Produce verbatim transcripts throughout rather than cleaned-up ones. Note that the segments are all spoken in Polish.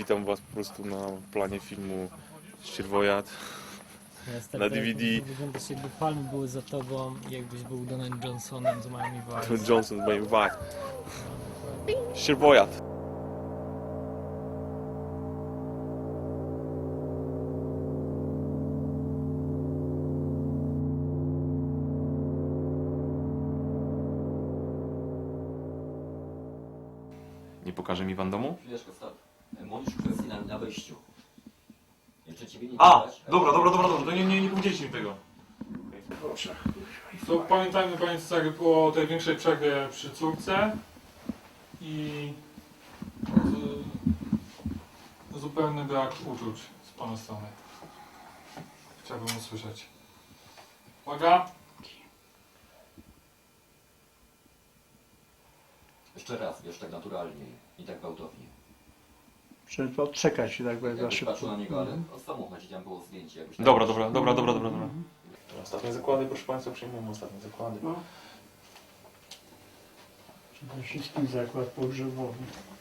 witam Was po prostu na planie filmu Ścierwojad Jest na D V D. Wyglądasz jakby palmy były za tobą, jakbyś był Donem Johnsonem z Miami Vice. Johnson z Miami Vice. Ścierwojad. Nie pokaże mi Pan domu? Chwileczkę, stop. Monisz kwestii na, na wejściu. Jeszcze ciebie nie A! widać. Dobra, dobra, dobra, dobra, to nie, nie, nie powiedzieliście mi tego. To pamiętajmy Państwo o tej większej przerwie przy córce i z, zupełny brak uczuć z Pana strony. Chciałbym usłyszeć. Uwaga! Jeszcze raz, wiesz, tak naturalnie i tak gwałtownie. Trzeba odczekać tak za Jakbyś szybko. patrzył na niego, ale o samochodzie tam było zdjęcie. Jakbyś tak Dobra, dobra, dobra, dobra, dobra, dobra. Ostatnie zakłady, proszę Państwa, przyjmujemy ostatnie zakłady. No. Przede wszystkim zakład pogrzebowy.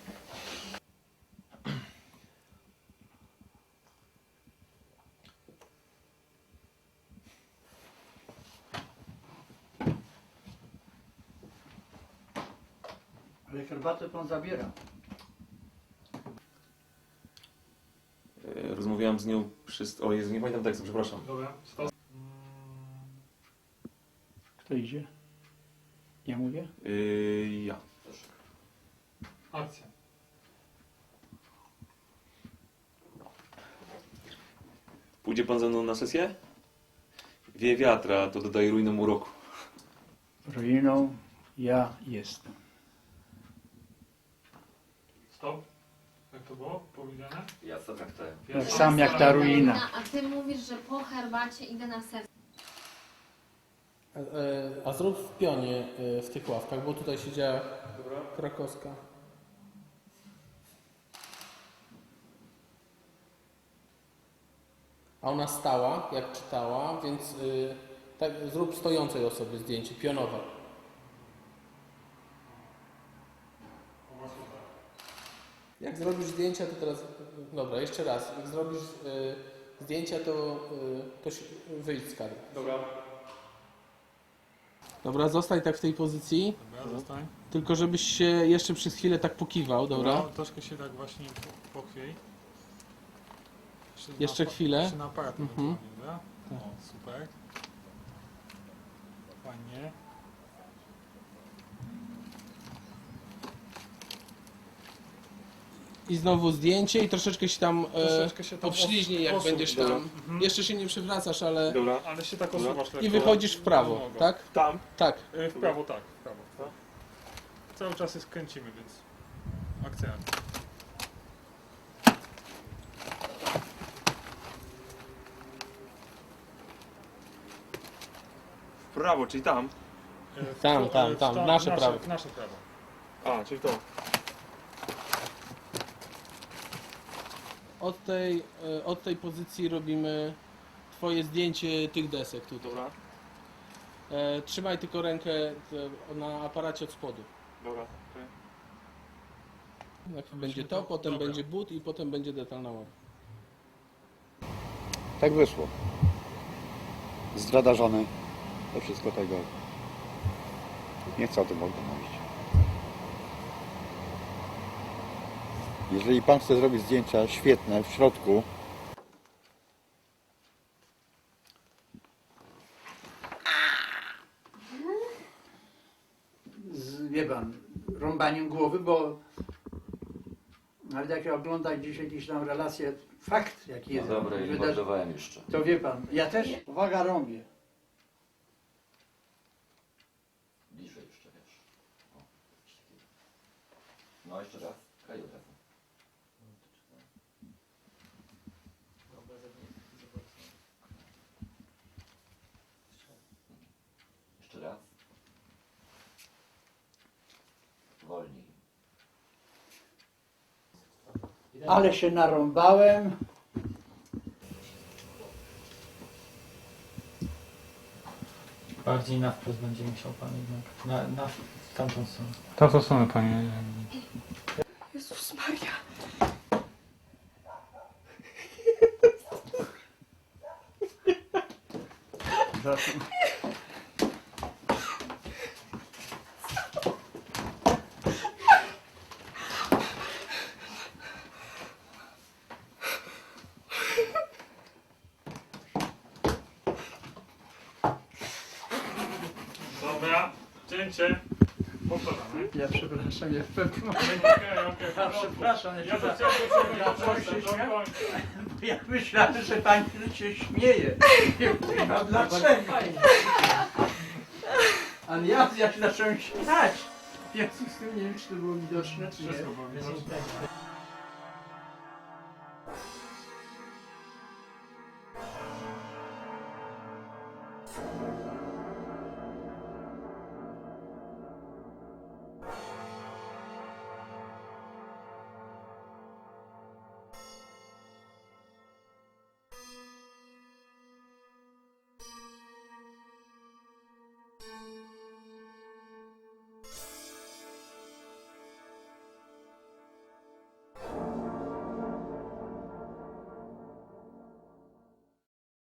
Ale herbatę pan zabiera. E, Rozmawiałem z nią przy... O Jezu, nie pamiętam tekstu, przepraszam. Dobra, stop. Kto idzie? Ja mówię? Yy, ja. Akcja. Pójdzie Pan ze mną na sesję? Wie wiatra, to dodaje ruinom uroku. Ruiną ja jestem. Stop. Jak to było powiedziane? Ja sam jak te. Tak sam jak ta ruina. A ty mówisz, że po herbacie idę na ser. A, e, a zrób w pionie e, w tych ławkach, bo tutaj siedziała krakowska. A ona stała, jak czytała, więc y, tak, zrób stojącej osoby zdjęcie, pionowe. Jak zrobisz zdjęcia, to teraz... Dobra, jeszcze raz. Jak zrobisz y, zdjęcia, to, y, to się, wyjdź z kadru. Dobra. Dobra, zostań tak w tej pozycji, Dobra, zostań. tylko żebyś się jeszcze przez chwilę tak pokiwał, dobra? No, troszkę się tak właśnie pochwiej. Jeszcze na, chwilę. Jeszcze na aparat Mhm. ewentualnie, dobra? Tak. O, super. Fajnie. I znowu zdjęcie i troszeczkę się tam, e, Troszeczkę się tam podśliźnij, jak osuń, będziesz dobra. tam. Mhm. Jeszcze się nie przewracasz, ale... Dobra. Ale się tak osuwasz lekko. I wychodzisz w prawo, nogą. tak? Tam. Tak. Y, W prawo, tak, w prawo. Cały czas jest kręcimy, więc akcja. W prawo, czyli tam. Y, w Tam, to- tam, y, w tam, to- nasze nasze prawo. w Nasze prawo. A, czyli to. Od tej, e, od tej pozycji robimy twoje zdjęcie tych desek tutaj. Dobra. E, trzymaj tylko rękę e, na aparacie od spodu. Dobra. Najpierw będzie to, potem Dobra. będzie but i potem będzie detalna ława. Tak wyszło. Zdrada żony. To wszystko tego. Nie chcę o tym w ogóle mówić. Jeżeli pan chce zrobić zdjęcia świetne w środku, Z, wie pan, rąbaniem głowy, bo nawet jak ja oglądam gdzieś jakieś tam relacje, fakt jaki No jest. dobra, i wydarzy- mordowałem jeszcze. To wie pan, ja też, uwaga, rąbię. Bliżej jeszcze, wiesz. O, coś takiego. No jeszcze raz. Kraj od razu. Jeszcze raz. Wolniej. Ale się narąbałem. Bardziej na wprost będzie musiał pan jednak. Na, na tamtą stronę. To to są panie. Jezus Maria. Zatem- Dobra, cięcie. Powtarzamy. Ja przepraszam, ja w pewnym momencie. Okej, okej, Ja okay, przepraszam, ja Ja się to chciałem do czego Ja do coś końca, się do śmia- końca. Bo ja myślałem, że pani się śmieje. Nie wiem dlaczego. Ale ja, ja się zacząłem śmiać. W związku z tym nie wiem, czy to było widoczne, czy nie. Wszystko było widoczne. Thank you.